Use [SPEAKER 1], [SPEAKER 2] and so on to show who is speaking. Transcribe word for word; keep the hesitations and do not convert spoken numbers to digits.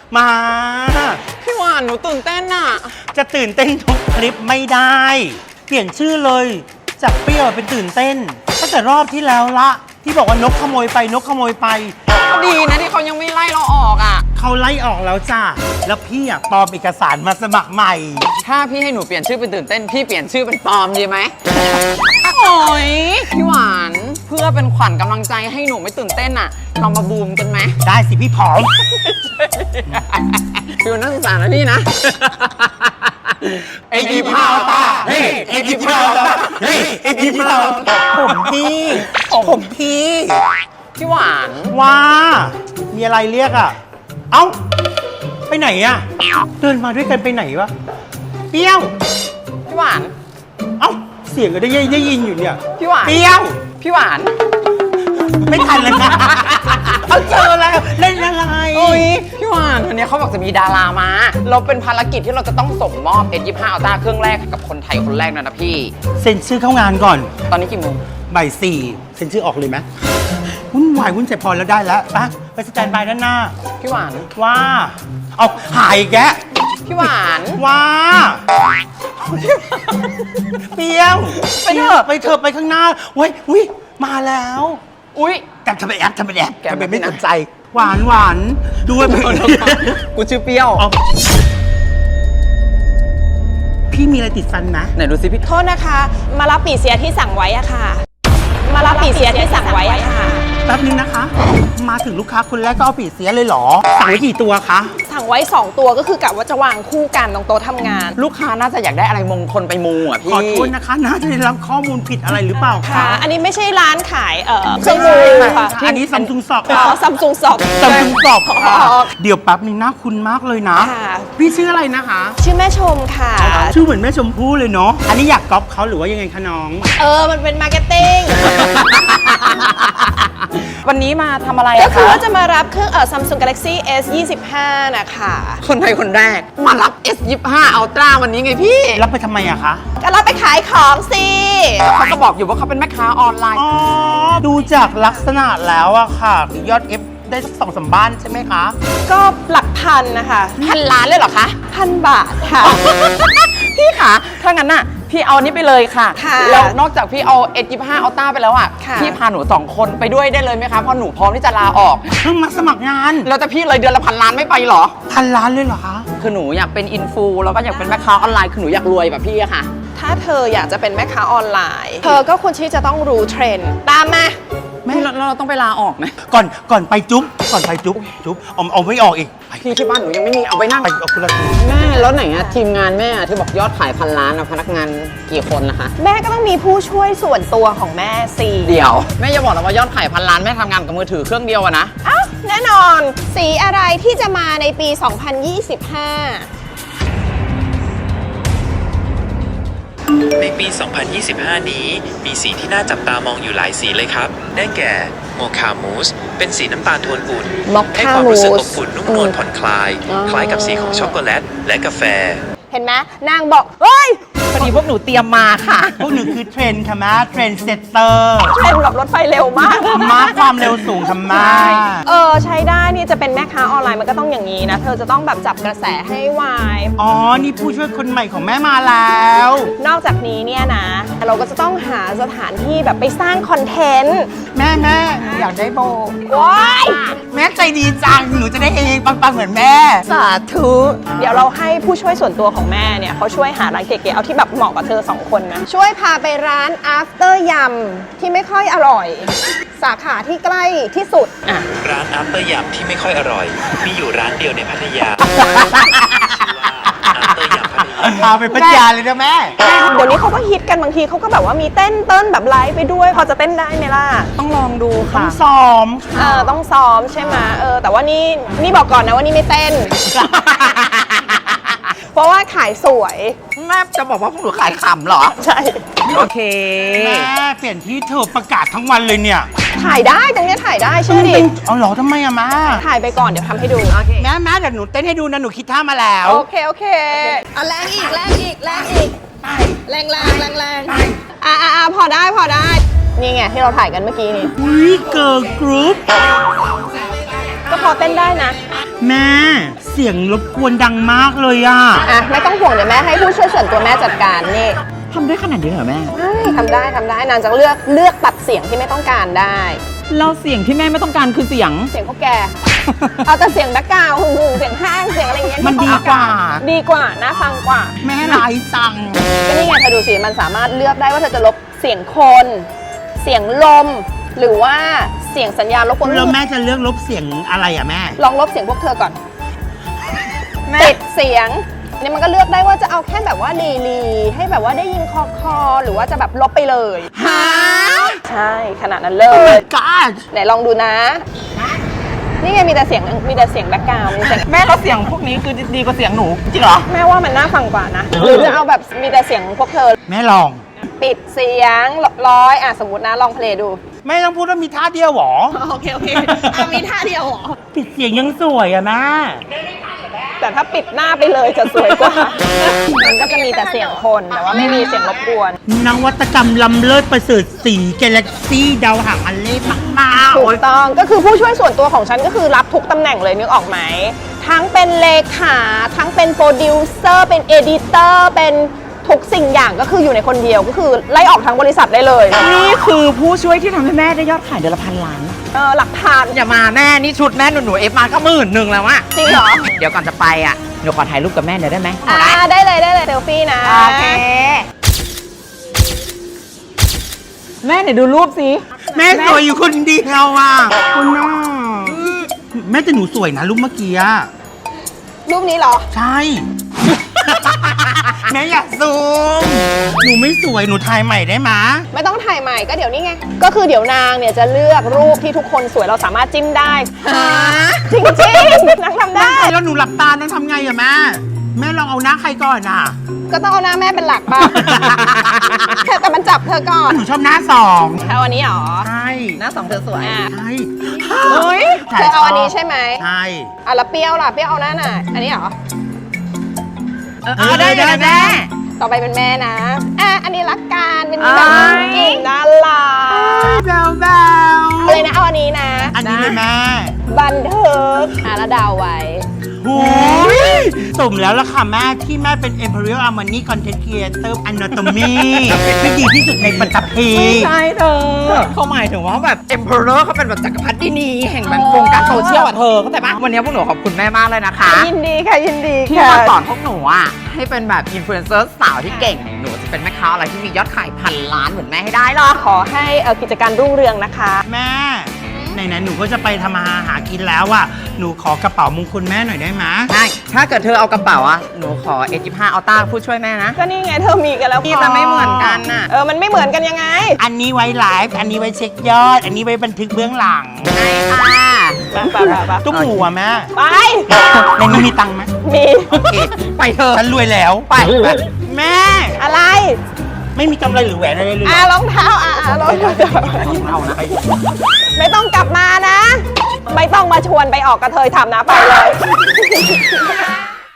[SPEAKER 1] มา
[SPEAKER 2] พี่หวานหนูตื่นเต้นอะ
[SPEAKER 1] จะตื่นเต้นทุกคลิปไม่ได้เปลี่ยนชื่อเลยจากเปรี้ยวเป็นตื่นเต้นตั้งแต่รอบที่แล้วละที่บอกว่านกขโมยไปนกขโมยไป
[SPEAKER 2] ดีนะที่เขายังไม่ไล่เราออกอ่ะ
[SPEAKER 1] เขาไล่ออกแล้วจ้าแล้วพี่อ่ะปลอมเอกสารมาสมัครใหม่
[SPEAKER 2] ถ้าพี่ให้หนูเปลี่ยนชื่อเป็นตื่นเต้นพี่เปลี่ยนชื่อเป็นปลอมดีไหมโอ้ยพี่หวานเพื่อเป็นขวัญกำลังใจให้หนูไม่ตื่นเต้นอ่ะเรามาบูมกันไหม
[SPEAKER 1] ได้สิพี่ผอม
[SPEAKER 2] ฟิวนักศึกษานะพี่นะ
[SPEAKER 1] เอ็กซ์พาวตาเฮ้ยเอ็กซ์พาวตาเฮ้ยเอ็กซ์พาวผมพี่ผมพี่
[SPEAKER 2] พี่หวาน
[SPEAKER 1] ว่ามีอะไรเรียกอ่ะเอ้าไปไหนอ่ะเดินมาด้วยกันไปไหนวะเปรี้ยว
[SPEAKER 2] พี่หวาน
[SPEAKER 1] เอ้าเสียงก็ได้ได้ยินอยู่เนี่ย
[SPEAKER 2] พี่หวาน
[SPEAKER 1] เปรี้ยว
[SPEAKER 2] พี่หวาน
[SPEAKER 1] ไม่ทันเลยนะเอาเจอแล้วเล่นอะไร
[SPEAKER 2] โอ้ยพี่หวานวันนี้เขาบอกจะมีดารามาเราเป็นภารกิจที่เราจะต้องส่งมอบ เอส ยี่สิบห้า Ultra เครื่องแรกกับคนไทยคนแรกนะนะพี่
[SPEAKER 1] เซ็นชื่อเข้างานก่อน
[SPEAKER 2] ตอนนี้กี่โมง
[SPEAKER 1] บ่ายสี่เซ็นชื่อออกเลยไหมวุ่นวายวุ่นใจพอแล้วได้แล้วไปไปสแตนบายด้านหน้า
[SPEAKER 2] พี่หวาน
[SPEAKER 1] ว่าเอาหายแก
[SPEAKER 2] พี่หวาน
[SPEAKER 1] ว่าเปรี้ยวไปเถอะไปเถอะไปข้างหน้าเว้ยอุ้ยมาแล้ว
[SPEAKER 2] อุ้ย
[SPEAKER 1] แกทำไมแอบทำไมแอบแกไม่สนใจหวานหวานด้วย
[SPEAKER 2] กูชื่อเปรี้ยว
[SPEAKER 1] พี่มีอะไรติดฟันนะ
[SPEAKER 2] ไหนดูสิพี่
[SPEAKER 3] โทษนะคะมารับปีเสียที่สั่งไว้อะค่ะมารับปีเสียที่สั่งไว้อะค่ะ
[SPEAKER 1] แป๊บนึงนะคะมาถึงลูกค้าคนแรกก็เอาปีเสียเลยเหรอสั่งไว้กี่ตัวคะ
[SPEAKER 3] สั่งไว้สองตัวก็คือกะว่าจะวางคู่กันตรงโต๊ะทำงาน
[SPEAKER 2] ลูกค้าน่าจะอยากได้อะไรมงคลไปมูอ่ะพี่
[SPEAKER 1] ขอโทษนะคะน่าจะได้รับข้อมูลผิดอะไรหรือเปล่า
[SPEAKER 3] คะอันนี้ไม่ใช่ร้านขายเอ่อเครื่องมือค่ะ
[SPEAKER 1] อันนี้ซัมซุงสอบ
[SPEAKER 3] อ๋อซัมซุงสอบ
[SPEAKER 1] ซัมซุงสอบเดี๋ยวแป๊บนึงน่าคุ้นมากเลยนะพี่ชื่ออะไรนะคะ
[SPEAKER 3] ชื่อแม่ชมค่ะ
[SPEAKER 1] ชื่อเหมือนแม่ชมพู่เลยเนาะอันนี้อยากก๊อปเขาหรือว่ายังไงคะน้อง
[SPEAKER 3] เออมันเป็นมาร์เก็ตติ้ง
[SPEAKER 2] วันนี้มาทำอะไร
[SPEAKER 3] ก็คือว่าจะมารับเครื่องเอ่อ Samsung Galaxy เอส ยี่สิบห้า นะคะ
[SPEAKER 2] คนไทยคนแรกมารับ เอส ยี่สิบห้า Ultra วันนี้ไงพี่
[SPEAKER 1] รับไปทำไมอะคะ
[SPEAKER 3] ก็รับไปขายของสิ
[SPEAKER 2] เขาก็บอกอยู่ว่าเขาเป็นแม่ค้าออนไลน์
[SPEAKER 1] อ๋อดูจากลักษณะแล้วอะค่ะยอด F ได้สักสองสามบ้านใช่ไหมคะ
[SPEAKER 3] ก็หลักพันนะคะ
[SPEAKER 2] พันล้านเลยเหรอคะ
[SPEAKER 3] พันบาทค่ะ
[SPEAKER 2] พี่คะถ้างั้นน่ะพี่เอานี้ไปเลยค่ะแล้วนอกจากพี่เอา เอส ยี่สิบห้า Ultra ไปแล้วอ่ะพี่พาหนูสองคนไปด้วยได้เลยไหมคะเพราะหนูพร้อมที่จะลาออก
[SPEAKER 1] เพิ่งมาสมัครงาน
[SPEAKER 2] แล้วแต่พี่เลยเดือนละพันล้านไม่ไปหรอ
[SPEAKER 1] พันล้านเลยเหรอคะ
[SPEAKER 2] คือหนูอยากเป็นอินฟูแล้วก็อยากเป็นแม่ค้าออนไลน์คือหนูอยากรวยแบบพี่อะค่ะ
[SPEAKER 3] ถ้าเธออยากจะเป็นแม่ค้าออนไลน์เธอก็ควรที่จะต้องรู้เทรนด์ตามมา
[SPEAKER 2] ไม่แล้วเราต้องไปลาออกไหม
[SPEAKER 1] ก่อนก่อนไปจุ๊บก่อนไปจุ๊บจุ๊บเอาเอาไม่ออกอีก
[SPEAKER 2] พี่ที่บ้านหนูยังไม่มีเอาไปนั่ง
[SPEAKER 1] ไปเอาคุณละ
[SPEAKER 2] แม่แล้วไหนอะทีมงานแม่ที่บอกยอดขายพันล้านอะพนักงานกี่คนนะคะ
[SPEAKER 3] แม่ก็ต้องมีผู้ช่วยส่วนตัวของแม่สิ
[SPEAKER 2] เดี๋ยวแม่อย่าบอกนะว่ายอดขายพันล้านแม่ทำงานกับมือถือเครื่องเดียวอะนะ
[SPEAKER 3] อ้าวแน่นอนสีอะไรที่จะมาในปี สองพันยี่สิบห้า
[SPEAKER 4] ในปี สองพันยี่สิบห้า นี้มีสีที่น่าจับตามองอยู่หลายสีเลยครับได้แก่โมคามูสเป็นสีน้ำตาลโทนอุ่นให้ความรู้สึกอบอุ่นนุ่มนวลผ่อนคลายคล้ายกับสีของช็อกโกแลตและกาแฟ
[SPEAKER 3] เห็นไหมนางบอกเฮ้ย
[SPEAKER 2] พอดีพวกหนูเตรียมมาค่ะ
[SPEAKER 1] พวกหนูคือเทรนค่ะมาเทรนเซตเตอร์
[SPEAKER 3] เทรนแบบรถไฟเร็วมาก
[SPEAKER 1] มาความเร็วสูงทำไม
[SPEAKER 3] เออใช้ได้นี่จะเป็นแม่ค้าออนไลน์มันก็ต้องอย่างนี้นะเธอจะต้องแบบจับกระแสให้ไว
[SPEAKER 1] อ๋อนี่ผู้ช่วยคนใหม่ของแม่มาแล้ว
[SPEAKER 3] นอกจากนี้เนี่ยนะเราก็จะต้องหาสถานที่แบบไปสร้างคอนเทนต์
[SPEAKER 1] แม่แม่อยากได้โบ
[SPEAKER 3] ว้าย
[SPEAKER 1] แม่ใจดีจังหนูจะได้เฮงปังๆเหมือนแม่
[SPEAKER 3] สาธุเดี๋ยวเราให้ผู้ช่วยส่วนตัวของแม่เนี่ยเขาช่วยหาร้านเก๋ๆเอาที่แบบเหมาะกับเธอสองคนนะช่วยพาไปร้าน after ยำที่ไม่ค่อยอร่อยสาขาที่ใกล้ที่สุด
[SPEAKER 4] อ่ะร้าน after ยำที่ไม่ค่อยอร่อยมีอยู่ร้านเดียวในพัทยา
[SPEAKER 1] พาไปพัทยาเลยนะแม่
[SPEAKER 3] เดี๋ยวนี้เขาก็ฮิตกันบางทีเขาก็แบบว่ามีเต้นเต้นแบบไลฟ์ไปด้วยพอจะเต้นได้ไหมล่ะ
[SPEAKER 2] ต้องลองดูค่ะ
[SPEAKER 1] ต้องซ้อม
[SPEAKER 3] เออต้องซ้อมใช่ไหมเออแต่ว่านี่นี่บอกก่อนนะว่านี่ไม่เต้นเพราะว่าขายสวย
[SPEAKER 2] แม่จะบอกว่าพวกหนูขายขำเหรอ
[SPEAKER 3] ใช่
[SPEAKER 2] โอเค
[SPEAKER 1] แม่เปลี่ยนที่เธอประกาศทั้งวันเลยเนี่ย
[SPEAKER 3] ถ่ายได้ตรงนี้ถ่ายได้เชื่อดิ
[SPEAKER 1] เอาเหรอทำไมอะมา
[SPEAKER 3] ถ่ายไปก่อนเดี๋ยวทำให้ดู
[SPEAKER 1] แม่แม่เดี๋ยวหนูเต้นให้ดูนะหนูคิดท่ามาแล้ว
[SPEAKER 3] โอเคโอเคเอาแรงอีกแรงอีกแรงอีกแรงแรงแรงแรงอ่าอ่าพอได้พอได้นี่ไงที่เราถ่ายกันเมื่อกี้นี่
[SPEAKER 1] วิเกิร์ลกรุ๊ป
[SPEAKER 3] ก็พอเต้นได้นะ
[SPEAKER 1] แม่เสีสียงรบกวนดังมากเลยอะ
[SPEAKER 3] อ่ะไม่ต้องห่วงเดี๋ยวแม่ให้ผู้ช่วยส่วนตัวแม่จัดการนี่
[SPEAKER 2] ทำได้ขนาดนี้เหรอแม่
[SPEAKER 3] ใช่ทำได้ทำได้นางจะเลือกเลือกตัดเสียงที่ไม่ต้องการได้
[SPEAKER 2] เราเสียงที่แม่ไม่ต้องการคือเสียง
[SPEAKER 3] เสียงพวกแก เอาแต่เสียงแบ็คกราวด์หึ่งๆเสียงห้างเสียงอะไรอย่างเงี้ย
[SPEAKER 1] มันดีกว่า
[SPEAKER 3] ดีกว่าน่าฟังกว่า
[SPEAKER 1] แม่ร้ายจัง
[SPEAKER 3] ก็นี่ไงเธอดูสิมันสามารถเลือกได้ว่าเธอจะลบเสียงคน เสียงลม หรือว่าเสียงสัญญาณรบกวน
[SPEAKER 1] แล้วแม่จะเลือกลบเสียงอะไรอะแม่
[SPEAKER 3] ลองลบเสียงพวกเธอก่อนปิดเสียงเนี่ยมันก็เลือกได้ว่าจะเอาแค่แบบว่าลีลีให้แบบว่าได้ยินคอคอหรือว่าจะแบบลบไปเลย
[SPEAKER 1] ฮะ
[SPEAKER 3] ใช่ขนาดนั้นเล
[SPEAKER 1] โอ้
[SPEAKER 3] ย
[SPEAKER 1] my god
[SPEAKER 3] ไหนลองดูนะ นี่ไงมีแต่เสียงมีแต่เสียงแบ็คกราวด์มีแต่
[SPEAKER 2] แม่เราเสียงพวกนี้คือดีกว่าเสียงหนูจริงเหรอ
[SPEAKER 3] แม่ว่ามันน่าฟังกว่านะ หรือจะเอาแบบมีแต่เสียงพวกเธอ
[SPEAKER 1] แม่ลอง
[SPEAKER 3] ปิดเสียงร้อยอ่ะสมมตินะลองเพลงดู
[SPEAKER 1] แม่ต้องพูดว่ามีท่าเดียวเหรอ
[SPEAKER 3] โอเคโอเคมีท่าเดียวหรอ
[SPEAKER 1] ปิดเสียงยังสวยอะแม่
[SPEAKER 3] แต่ถ้าปิดหน้าไปเลยจะสวยกว่า มันก็จะมีแต่เสียงคนแต่ว่าไม่มีเสียงรบกวน
[SPEAKER 1] นวัตกรรมล้ำเลิศประเสริฐสีกาแล็กซี่ดาวหางอันเล่มาก
[SPEAKER 3] ถูกต้องก็คือผู้ช่วยส่วนตัวของฉันก็คือรับทุกตำแหน่งเลยนึกออกไหม ทั้งเป็นเลขาทั้งเป็นโปรดิวเซอร์เป็นเอดิเตอร์เป็นทุกสิ่งอย่างก็คืออยู่ในคนเดียวก็คือไล่ออกทั้งบริษัทได้เลย
[SPEAKER 2] นี่คือผู้ช่วยที่ทำให้แม่ได้ยอดขายเดือนละพันล้าน
[SPEAKER 3] เออหลักฐาน
[SPEAKER 2] อย่ามาแม่นี่ชุดแม่หนูหนูเอฟมาก็หมื่นหนึ่งแล้วอะ
[SPEAKER 3] จริงเหรอ
[SPEAKER 2] เดี๋ยวก่อนจะไปอะหนูขอถ่ายรูปกับแม่หน่อยได้ไหม
[SPEAKER 3] อ่าได้เลยได้เลยเซลฟี่นะ
[SPEAKER 2] โอเค แม่ไหนดูรูปสิ
[SPEAKER 1] ๆ แม่สวยอยู่คนเดียวอ่ะคุณน่าแม่แต่หนูสวยนะรูปเมื่อกี้อะ
[SPEAKER 3] รูปนี้เหรอ
[SPEAKER 1] ใช่ แม่อยากซูม หนูไม่สวยหนูถ่ายใหม่ได้ไหม
[SPEAKER 3] ไม่ต้องถ่ายใหม่ก็เดี๋ยวนี้ไง ก็คือเดี๋ยวนางเนี่ยจะเลือกรูปที่ทุกคนสวยเราสามารถจิ้มได้ จริงจริงๆนางทำได้
[SPEAKER 1] แล้วหนูหลับตานั่งทำไงอะแม่ แม่ลองเอาหน้าใครก่อนอ่ะ
[SPEAKER 3] ก็ต้องเอาหน้าแม่เป็นหลักป่ะ แต่แต่มันจับเธอก่อน
[SPEAKER 1] หนูชอบหน้าสอง
[SPEAKER 3] เอาอันนี้เหรอ
[SPEAKER 1] ใช่
[SPEAKER 2] หน้าสองเธอสวย
[SPEAKER 3] อ่ะ
[SPEAKER 1] ใช่
[SPEAKER 3] เฮ้ยเธอเอาอันนี้ใช่ไหม
[SPEAKER 1] ใช่
[SPEAKER 3] อ่ะแล้วเปรี้ยวล่ะ เปรี้ยวเอาหน้าไหนอันนี้เหรอ
[SPEAKER 2] เออเอาได้เลยนะแม่
[SPEAKER 3] ต่อไปเป็นแม่นะ อ่ะ อันนี้รักกันเป็นแบบ
[SPEAKER 2] อ้าย
[SPEAKER 3] กิ่งน่ารัก
[SPEAKER 1] แบวแบว
[SPEAKER 3] เลยนะ เอาอันนี้นะ
[SPEAKER 1] อันนี้เลยแม่
[SPEAKER 3] บันเทิงอ่ะแล้วเดาวไว้
[SPEAKER 1] หูยสมแล้วล่ะค่ะแม่ที่แม่เป็น Imperial Armani Content Creator Anatomy ที่ดีที่สุดในปัตตภี
[SPEAKER 2] ไม่ใช่เธอเขาหมายถึงว่าแบบ emperor เขาเป็นแบบจักรพรรดินีแห่งแบบวงการโซเชียลอ่ะเธอเข้าใจปะวันนี้พวกหนูขอบคุณแม่มากเลยนะคะ
[SPEAKER 3] ยินดีค่ะ ยินดี
[SPEAKER 2] ที่
[SPEAKER 3] ค่ะ
[SPEAKER 2] มาสอนพวกหนูอ่ะให้เป็นแบบอินฟลูเอนเซอร์สาวที่เก่ง หนูจะเป็นแม่ค้าอะไรที่มียอดขายพันล้านเหมือนแม่ให้ได้หรอก
[SPEAKER 3] ขอให้เอ่อกิจการรุ่งเรืองนะคะ
[SPEAKER 1] แม่ไหนๆหนูก็จะไปทำมาหากินแล้วอ่ะหนูขอกระเป๋ามงคลแม่หน่อยได้ไหม
[SPEAKER 2] ใช่ ถ้าเกิดเธอเอากระเป๋าอ่ะ หนูขอ เอ ยี่สิบห้า อัลต้าผู้ช่วยแม่นะ
[SPEAKER 3] ก็นี่ไงเธอมีกันแล้ว
[SPEAKER 2] พี่แต่ไม่เหมือนกันน่ะ
[SPEAKER 3] เออ มันไม่เหมือนกันยังไง
[SPEAKER 1] อันนี้ไว้ไลฟ์อันนี้ไว้เช็คยอด อันนี้ไว้บันทึกเบื้องหลัง
[SPEAKER 2] ใช่ค่ะ
[SPEAKER 3] ไปไปไปไป
[SPEAKER 1] ตุ้มหูอ่ะแม่
[SPEAKER 3] ไป
[SPEAKER 1] ในนี้มีตังค์ไหม
[SPEAKER 3] มี
[SPEAKER 1] โอเค
[SPEAKER 2] ไปเถอะ
[SPEAKER 1] ฉันรวยแล้ว
[SPEAKER 2] ไปไป
[SPEAKER 1] แม่
[SPEAKER 3] อะไร
[SPEAKER 1] ไม่มีกำไรหรือแหวนอะไรเลย
[SPEAKER 3] อ่ะรองเท้า อ่ะอ่ะรองเท้า
[SPEAKER 1] เอานะไป
[SPEAKER 3] ไม่ต้องกลับมานะ ไม่ต้องมาชวนไปออกกระเทยทำนะ ไปเลย